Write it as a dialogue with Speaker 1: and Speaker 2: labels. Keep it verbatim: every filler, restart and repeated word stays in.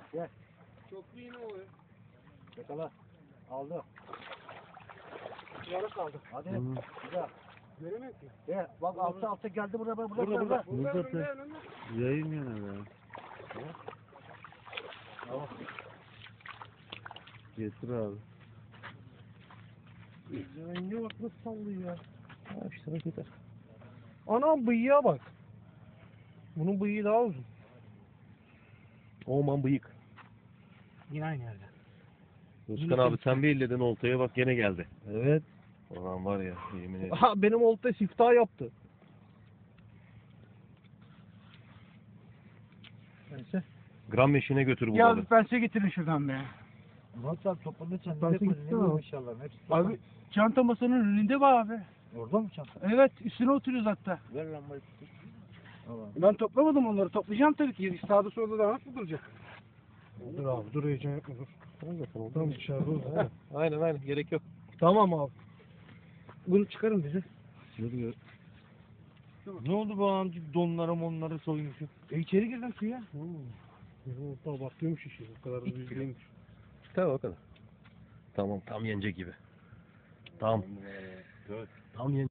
Speaker 1: Gel.
Speaker 2: Çoklu yine oluyor.
Speaker 1: Yakala. Aldı.
Speaker 2: Yarı kaldı.
Speaker 1: Hadi.
Speaker 3: Hı.
Speaker 1: Güzel.
Speaker 2: Göremiyor ki.
Speaker 1: Gel. Bak altta altta geldi buraya. Burada
Speaker 3: Burada,
Speaker 1: burada.
Speaker 3: burada.
Speaker 2: Burada
Speaker 3: Burada
Speaker 2: önünde
Speaker 3: da-
Speaker 2: önünde.
Speaker 3: Yayın yine be.
Speaker 1: Tamam.
Speaker 3: Getir abi.
Speaker 2: Renge bak nasıl sallıyor ya.
Speaker 3: Ha işte bak yeter.
Speaker 2: Anam bıyığa bak. Bunun bıyığı daha uzun.
Speaker 3: Oman bıyık.
Speaker 2: Yine aynı yerde.
Speaker 3: Özkan abi sen bir elledin oltaya bak gene geldi. Evet. Ulan var ya yemin ederim.
Speaker 2: Aha benim olta siftah yaptı. Neyse.
Speaker 3: Gram meşine götür bu
Speaker 2: Ya
Speaker 3: balığı.
Speaker 2: bir pense getirin şuradan be.
Speaker 1: Murat abi topunda sen
Speaker 2: Ben
Speaker 1: nereye koydun?
Speaker 2: gittim
Speaker 1: Ne
Speaker 2: ama.
Speaker 1: bu inşallah? Hepsi
Speaker 2: Abi çanta masanın önünde be abi.
Speaker 1: orada mı çanta?
Speaker 2: Evet üstüne oturuyoruz hatta.
Speaker 1: Ver lambayı. Allah.
Speaker 2: Ben toplamadım onları. Toplayacağım tabii ki. Sağda solda da nasıl duracak? Dur abi dur heyecan yapma dur. Tamam dışarıda ol. ha.
Speaker 3: Aynen aynen gerek yok.
Speaker 2: Tamam abi. Bunu çıkarın bize.
Speaker 3: Yürü. Ne oldu bu amcık donları monları soymuşum?
Speaker 2: E içeri girdim suya. Benim olta abartıyormuş işi. O kadar da büyük değilmiş.
Speaker 3: Tamam o kadar. Tamam tam yenecek gibi. Tamam. Tam yenecek.